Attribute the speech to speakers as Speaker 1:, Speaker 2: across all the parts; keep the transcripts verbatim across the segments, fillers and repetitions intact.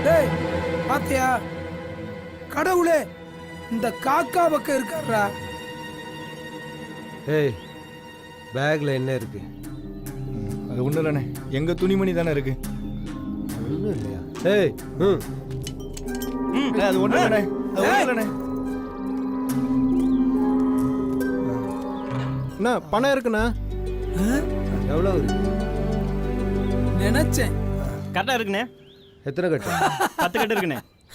Speaker 1: டேய் பாத்தியா, கடவுளே இந்த காக்கா பக்கம் இருக்காரா.
Speaker 2: ஏய் பேக்ல என்ன இருக்கு?
Speaker 3: அது ஒன்றும் இல்லைண்ணே, எங்கள் துணிமணி தானே இருக்கு.
Speaker 2: ஒன்றும் இல்லையா? ஏய் ம்
Speaker 3: அண்ணே, அது ஒன்றும் இல்லைண்ணே, அது ஒன்றும் இல்லைண்ணே. அண்ணா பணம் இருக்குண்ணா.
Speaker 2: எவ்வளோ இருக்கு?
Speaker 1: நினைச்சேன்.
Speaker 4: கரெக்டாக இருக்குண்ணே.
Speaker 2: எத்தனை கட்டு?
Speaker 4: பத்து கட்டு இருக்குண்ணே.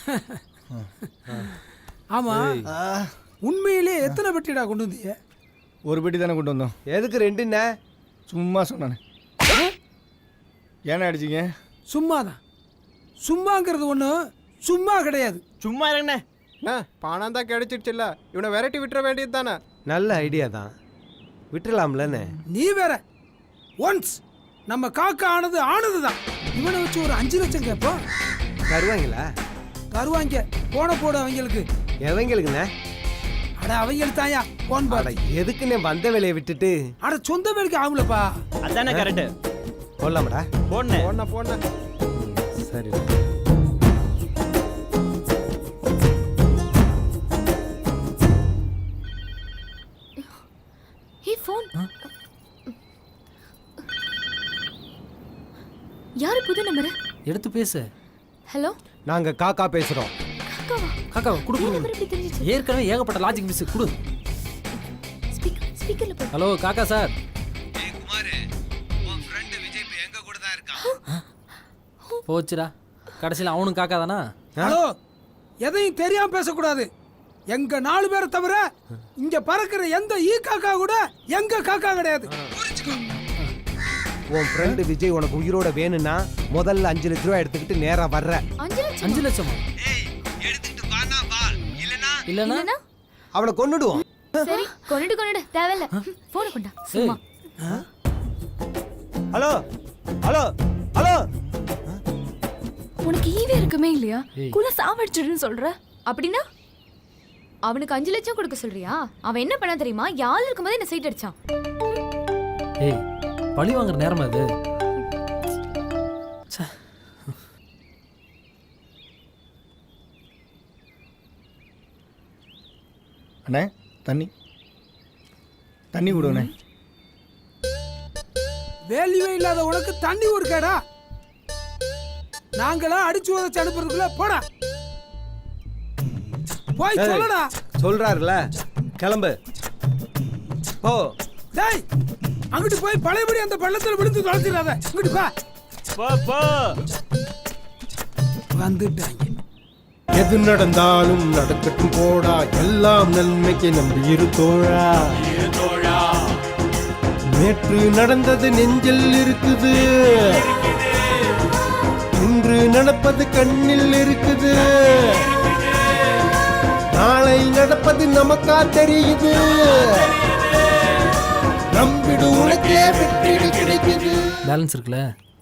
Speaker 1: ஆமா, உண்மையிலே எத்தனை பெட்டிடா கொண்டு வந்தீங்க?
Speaker 3: ஒரு பெட்டி தானே கொண்டு வந்தோம்.
Speaker 2: எதுக்கு ரெண்டுண்ணே?
Speaker 3: சும்மா சொன்னானே. ஏன்னா அடிச்சிங்க?
Speaker 1: சும்மா தான். சும்மாங்கிறது ஒன்றும் சும்மா கிடையாது.
Speaker 4: சும்மா இருங்கண்ணே.
Speaker 3: அண்ணா பணம் தான் கிடைச்சிடுச்சுல்ல, இவனை விரட்டி விட்டுற வேண்டியது தானே.
Speaker 2: நல்ல ஐடியா தான், விட்டுலாம்லண்ணே.
Speaker 1: நீ வேற. ஒன்ஸ் நம்ம காக்கா ஆனது ஆனது தான். இவனை வச்சு ஒரு அஞ்சு லட்சம் கேட்போம்.
Speaker 2: தருவாங்களா?
Speaker 1: தருவாங்க. போன போடு அவங்களுக்கு.
Speaker 2: எவங்களுக்குண்ணே?
Speaker 1: அட அவங்களுக்கு தாயா போன் பாட.
Speaker 2: எதுக்குண்ணே வந்த வேலையை விட்டுட்டு?
Speaker 1: அட சொந்த வேலைக்கு ஆகுலப்பா.
Speaker 4: அதானே கரெக்டு.
Speaker 2: போடலாமாடா?
Speaker 4: போடணே
Speaker 3: போண்ணா போண்ணா.
Speaker 2: சரி.
Speaker 5: Hey phone. யாரு புது நம்பர்?
Speaker 6: எடுத்து பேசு.
Speaker 5: ஹலோ,
Speaker 2: நாங்க காக்கா பேசுறோம்.
Speaker 5: காக்காவா?
Speaker 6: காக்கா குடு குடு.
Speaker 5: நம்பர் எப்படி தெரிஞ்சிச்சு?
Speaker 6: ஏற்கனவே ஏகப்பட்ட லாஜிக் மிஸ் குடு.
Speaker 5: ஸ்பீக்கர் ஸ்பீக்கர்ல போடு.
Speaker 6: ஹலோ காக்கா சார்.
Speaker 2: ஏய் குமார், உன் ஃப்ரெண்ட் விஜய் இப்ப எங்க கூட தான் இருக்கான்.
Speaker 6: போச்சுடா, கடைசியில் அவனும் காக்கா தானா?
Speaker 1: ஹலோ, எதையும் தெரியாம பேசக்கூடாது. எங்க நாலு பேரை தவிர இங்க பறக்கிற எந்த ஈ காக்கா கூட எங்க காக்கா கிடையாது.
Speaker 2: உன் ஃப்ரெண்ட் விஜய் உனக்கு உயிரோட வேணும்னா முதல்ல அஞ்சு லட்ச ரூபாய் எடுத்துக்கிட்டு நேரா வர்ற.
Speaker 5: அஞ்சு லட்சம்?
Speaker 6: அஞ்சு லட்சமா?
Speaker 2: ஏய் எடுத்துக்கிட்டு வானா வா, இல்லனா
Speaker 6: இல்லனா
Speaker 5: இல்லனா
Speaker 2: அவளை கொன்னுடுவோம்.
Speaker 5: சரி, கொன்னுடு கொன்னுடு, தேவையில்ல. போன் கொண்டா சும்மா.
Speaker 2: Hello hello hello.
Speaker 5: உனக்கு ஈவே இருக்குமே இல்லையா? குல சாவடிச்சிடுன்னு சொல்ற. அப்படினா அவனுக்கு அஞ்சு லட்சம் கொடுக்க சொல்றியா? அவன் என்ன பண்ணா தெரியுமா? யாழ் இருக்கும்போது என்ன சைட் அடிச்சான்.
Speaker 6: ஏய் பழி வாங்குற நேரமா இது?
Speaker 3: அண்ணே தண்ணி தண்ணி விடுவண்ணே.
Speaker 1: வேல்யூவே இல்லாத உனக்கு தண்ணி ஒரு கேடா? நாங்களா அடிச்சு உதச்சு அனுப்புறதுக்குள்ள போடா. போய் சொல்லடா.
Speaker 2: சொல்றாருல, கிளம்பு போ.
Speaker 1: டேய் அங்கிட்டு போய் பழையபடி அந்த பள்ளத்துல விழுந்து தொலைச்சிடாத. இங்கிட்டு பா.
Speaker 4: போ போ.
Speaker 1: வந்துட்டாங்க.
Speaker 7: எது நடந்தாலும் நடக்கட்டும் போடா, எல்லாம் நன்மைக்கு நம்பி இரு தோழா. நேற்று நடந்தது நெஞ்சில் இருக்குது, இன்று நடப்பது கண்ணில் இருக்குது, நாளை நடப்பது நமக்கா தெரியுது. நம்பிடு உனக்கே வெற்றி கிடைக்குது.
Speaker 6: பேலன்ஸ் இருக்குல்ல?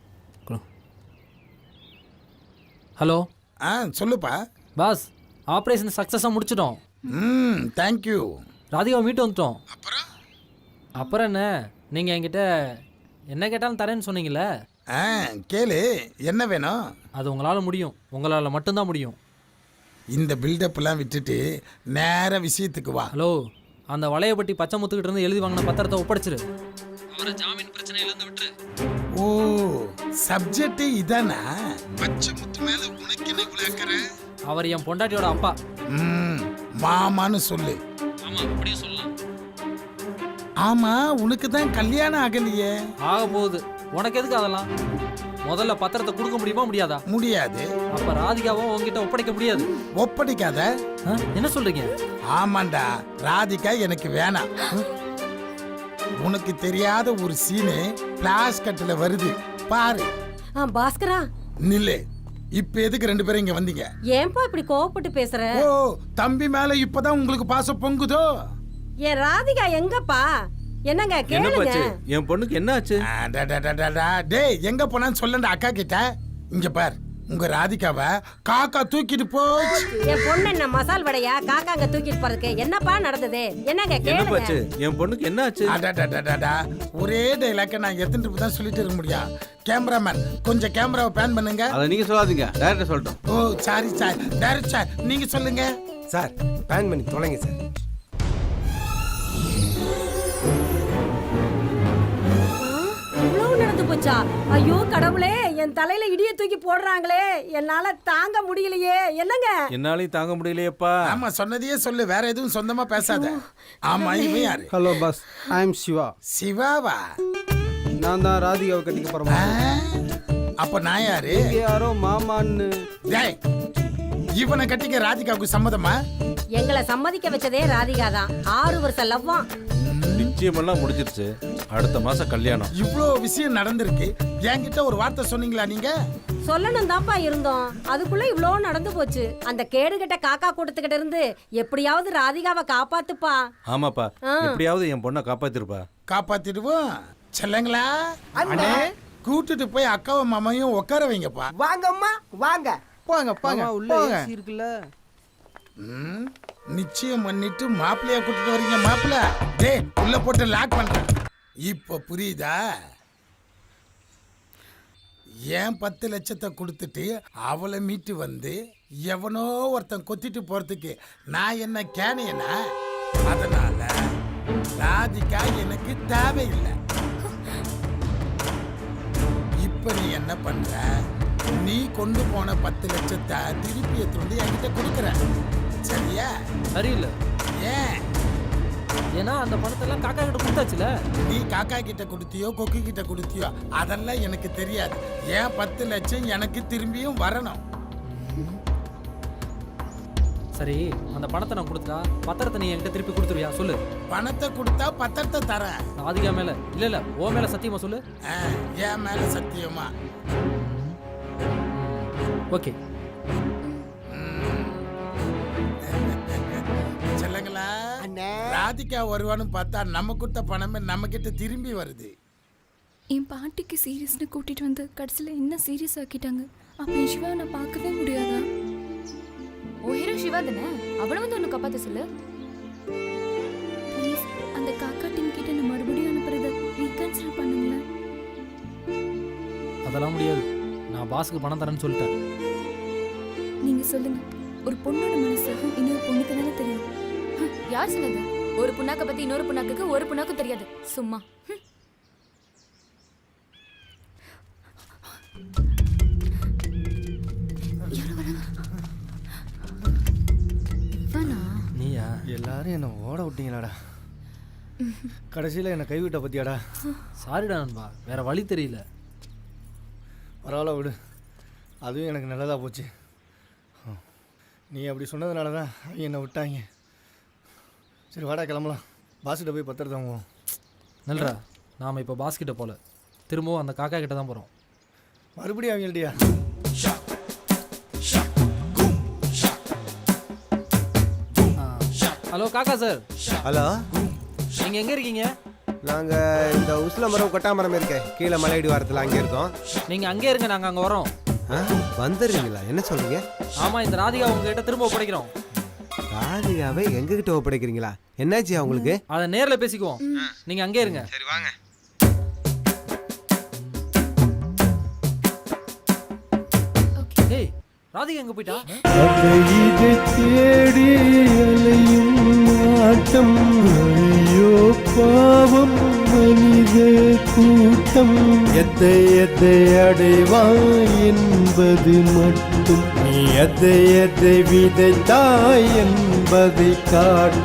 Speaker 6: ஹலோ.
Speaker 8: ஆ சொல்லுப்பா.
Speaker 6: பாஸ், ஆப்ரேஷன் சக்ஸஸாக முடிச்சிட்டோம்.
Speaker 8: ம் தேங்க்யூ.
Speaker 6: ராதிகாவை மீட்டு வந்துட்டோம்.
Speaker 8: அப்புறம்
Speaker 6: அப்புறம் என்ன, நீங்கள் என்கிட்ட என்ன கேட்டாலும் தரேன்னு சொன்னீங்கல்ல?
Speaker 8: ஆ கேளு, என்ன வேணும்?
Speaker 6: அது உங்களால் முடியும், உங்களால் மட்டும்தான் முடியும்.
Speaker 8: இந்த பில்டப்லாம் விட்டுட்டு நேர விஷயத்துக்கு வா.
Speaker 6: ஹலோ, அந்த வளையப்பட்டி பச்சை முத்துக்கிட்ட இருந்து எழுதி வாங்கின பத்திரத்தை ஒப்படைச்சிரு. அவரை ஜாமீன் பிரச்சனையிலேருந்து விட்டுரு.
Speaker 8: ஓ சப்ஜெக்ட் இதானா? பச்சை முத்து மேல உனக்கு என்ன குலாக்கற?
Speaker 6: அவர் என் பொண்டாட்டியோட அப்பா.
Speaker 8: ம் மாமான்னு சொல்லு.
Speaker 6: ஆமா, அப்படியே சொல்லலாம்.
Speaker 8: ஆமா, உனக்கு தான் கல்யாணம் ஆகலையே.
Speaker 6: ஆக போகுது. உனக்கு எதுக்கு அதெல்லாம்? முதல்ல பத்திரத்தை கொடுக்க முடியுமா முடியாதா?
Speaker 8: முடியாது.
Speaker 6: அப்ப ராதிகாவும் உங்ககிட்ட ஒப்படைக்க முடியாது.
Speaker 8: ஒப்படைக்காத.
Speaker 6: என்ன சொல்றீங்க?
Speaker 8: ஆமாண்டா, ராதிகா எனக்கு வேணாம். உனக்கு தெரியாத ஒரு சீனு பிளாஸ் கட்டில வருது பாரு.
Speaker 9: பாஸ்கரா
Speaker 8: நில்லு. இப்ப எதுக்கு ரெண்டு பேரும் இங்க வந்தீங்க?
Speaker 9: ஏன்பா இப்படி கோவப்பட்டு பேசுற?
Speaker 8: ஓ தம்பி மேல இப்பதான் உங்களுக்கு பாசம் பொங்குதோ?
Speaker 9: என் ராதிகா எங்கப்பா? என்னங்க கேளுங்க.
Speaker 2: என் பொண்ணுக்கு என்ன ஆச்சு?
Speaker 8: டேய் எங்க போனான்னு சொல்லண்ட அக்கா கிட்ட. இங்க பார், உங்க ராதிகாவை காக்கா தூக்கிட்டு போச்சு.
Speaker 9: என் பொண்ணு என்ன மசால் வடையா காக்காங்க தூக்கிட்டு போறதுக்கு? என்னப்பா நடந்தது? என்னங்க கேளுங்க.
Speaker 2: என் பொண்ணுக்கு என்ன ஆச்சு?
Speaker 8: ஒரே டைலாக்க நான் எத்தனை தான் சொல்லிட்டு இருக்க முடியும்? கேமராமேன் கொஞ்சம் கேமராவை பேன் பண்ணுங்க.
Speaker 2: அதை நீங்க சொல்லாதீங்க, டைரக்டர் சொல்லட்டும்.
Speaker 8: Oh sorry sir, director sir நீங்க சொல்லுங்க.
Speaker 7: சார் பேன் பண்ணி தொலைங்க சார்.
Speaker 9: இவ்வளவு நடந்து போச்சா? ஐயோ கடவுளே, என் தலையில இடிய தூக்கி போடுறாங்களே, என்னால தாங்க முடியலையே. என்னங்க?
Speaker 2: என்னாலையும் தாங்க முடியலையேப்பா.
Speaker 8: ஆமா சொன்னதையே சொல்லு, வேற எதுவும் சொந்தமா பேசாத. ஆமா இவன் யாரு?
Speaker 10: Hello boss, I am Siva.
Speaker 8: சிவாவா?
Speaker 10: நான் தான் ராதிகாவை கட்டிக்க
Speaker 8: ஆ,
Speaker 10: போறேன்.
Speaker 8: அப்ப நான் யாரு?
Speaker 10: யாரோ மாமான்னு.
Speaker 8: டேய், இவனை கட்டிக்க ராதிகாவுக்கு சம்மதமா?
Speaker 9: எங்களை சம்மதிக்க வச்சதே ராதிகா தான். ஆறு வருஷம் லவ்வாம்.
Speaker 2: நிச்சயமெல்லாம் முடிஞ்சிருச்சு, அடுத்த மாசம் கல்யாணம்.
Speaker 8: இவ்ளோ விஷயம் நடந்திருக்கு, என்கிட்ட ஒரு வார்த்தை சொன்னீங்களா நீங்க?
Speaker 9: சொல்லணும் தான்ப்பா இருந்தோம், அதுக்குள்ள இவ்ளோ நடந்து போச்சு. அந்த கேடுகட்ட காக்கா கூட்டத்துக்கிட்ட இருந்து எப்படியாவது ராதிகாவை காப்பாத்துப்பா.
Speaker 2: ஆமாப்பா, எப்படியாவது என் பொண்ணை காப்பாத்திருப்பா.
Speaker 8: காப்பாத்திடுவோம். செல்லங்களா அண்ணே, கூட்டிட்டு போய் அக்காவும் மாமாவையும் உட்கார வைங்கப்பா.
Speaker 1: வாங்கம்மா வாங்க.
Speaker 10: போங்க போங்க
Speaker 1: உள்ள
Speaker 10: போங்க.
Speaker 1: ஏசி இருக்குல்ல.
Speaker 8: ம், நிச்சயம் பண்ணிட்டு மாப்பிள்ளைய கூட்டிட்டு வரீங்க. மாப்பிள்ள டேய் உள்ள போட்டு லாக் பண்றேன். இப்ப புரியுதா? ஏன் பத்து லட்சத்தை கொடுத்துட்டு அவளை மீட்டு வந்து எவனோ ஒருத்தன் கொத்திட்டு போறதுக்கு நான் என்ன கேனையனா? அதனால ராதிகா எனக்கு தேவையில்லை. இப்ப நீ என்ன பண்ற? நீ கொண்டு போன பத்து லட்சத்தை திருப்பி எடுத்து வந்து என்கிட்ட கொடுக்குற, சரியா?
Speaker 6: சரியில்லை.
Speaker 8: ஏன்?
Speaker 6: ஏன்னா அந்த பணத்தை எல்லாம் காக்கா கிட்ட கொடுத்தாச்சுல.
Speaker 8: நீ காக்கா கிட்ட கொடுத்தியோ கொக்கு கிட்ட கொடுத்தியோ அதெல்லாம் எனக்கு தெரியாது. ஏன் பத்து லட்சம் எனக்கு திரும்பியும் வரணும்.
Speaker 6: சரி, அந்த பணத்தை நான் கொடுத்தா பத்திரத்தை நீ என்கிட்ட திருப்பி கொடுத்துருவியா சொல்லு.
Speaker 8: பணத்தை கொடுத்தா பத்திரத்தை தரேன்.
Speaker 6: ராதிகா மேல இல்ல இல்ல ஓ மேல சத்தியமா சொல்லு.
Speaker 8: ஆ, என் மேல சத்தியமா?
Speaker 6: ஓகே.
Speaker 8: செல்லங்களா, ராதிகா வருவான்னு பார்த்தா நம்ம கொடுத்த பணமே நம்ம கிட்ட திரும்பி வருது.
Speaker 5: என் பாட்டிக்கு சீரியஸ்னு கூட்டிட்டு வந்து கடைசியில் என்ன சீரியஸ் ஆக்கிட்டாங்க. அப்ப என் சிவா நான் பார்க்கவே முடியாதா? ஓ ஹீரோ சிவா தானே, அவனை வந்து ஒன்று காப்பாற்ற சொல்லு ப்ளீஸ். அந்த காக்கா டீம் கிட்ட நான் மறுபடியும் அனுப்புறத ரீகன்சிடர் பண்ணுங்களேன்.
Speaker 6: அதெல்லாம் முடியாது, நான் பாஸுக்கு பணம் தரேன்னு சொல்லிட்டேன்.
Speaker 5: நீங்க சொல்லுங்க, ஒரு பொண்ணோட மனசு இன்னொரு பொண்ணுக்கு தானே தெரியும். யார் சொன்னது? ஒரு புண்ணாக்க பத்தி இன்னொரு புண்ணாக்குக்கு ஒரு புண்ணாக்கும் தெரியாது, சும்மா.
Speaker 6: நீயா?
Speaker 10: எல்லாரும் என்ன ஓட விட்டீங்களாடா. கடைசியில் என்னை கைவிட்ட பத்தியாடா.
Speaker 6: சாரிடா நண்பா, வேற வழி தெரியல.
Speaker 10: பரவாயில்ல விடு, அதுவும் எனக்கு நல்லதாக போச்சு. நீ அப்படி சொன்னதுனால தான் அவங்க என்னை விட்டாங்க. சரி வாடா கிளம்பலாம், பாஸ்கிட்ட போய் பத்திரத்தை வாங்குவோம்.
Speaker 6: நல்றா, நாம் இப்போ பாஸ் கிட்ட போல, திரும்பவும் அந்த காக்கா கிட்ட தான் போகிறோம்.
Speaker 10: மறுபடியும் அவங்கள்டியா?
Speaker 6: ஹலோ காக்கா சார்.
Speaker 7: ஹலோ,
Speaker 6: நீங்கள் எங்கே இருக்கீங்க?
Speaker 7: நாங்கள் இந்த உசில மரம் கொட்டா மரம் இருக்கேன் கீழே மலையடி வாரத்தில் அங்கே இருக்கோம்.
Speaker 6: நீங்கள் அங்கே இருங்க, நாங்கள் அங்கே வரோம்.
Speaker 7: ஆ, வந்துடுறீங்களா? என்ன சொல்றீங்க?
Speaker 6: ஆமாம், இந்த ராதிகா உங்ககிட்ட திரும்ப ஒப்படைக்கிறோம்.
Speaker 7: ராதிகாவை எங்ககிட்ட ஒப்படைக்கிறீங்களா? என்னாச்சு அவங்களுக்கு?
Speaker 6: அதை நேரில் பேசிக்குவோம், நீங்கள் அங்கே இருங்க.
Speaker 2: சரி வாங்க.
Speaker 6: ஏய், ராதிகா எங்கே போயிட்டா?
Speaker 7: தேடி அலையும் ஆட்டம், ஐயோ பாவம் மனித கூட்டம். எதை எதை அடைவாய் என்பது மட்டும், நீ எதை எதை விதைத்தாய் என்பதை காட்டு.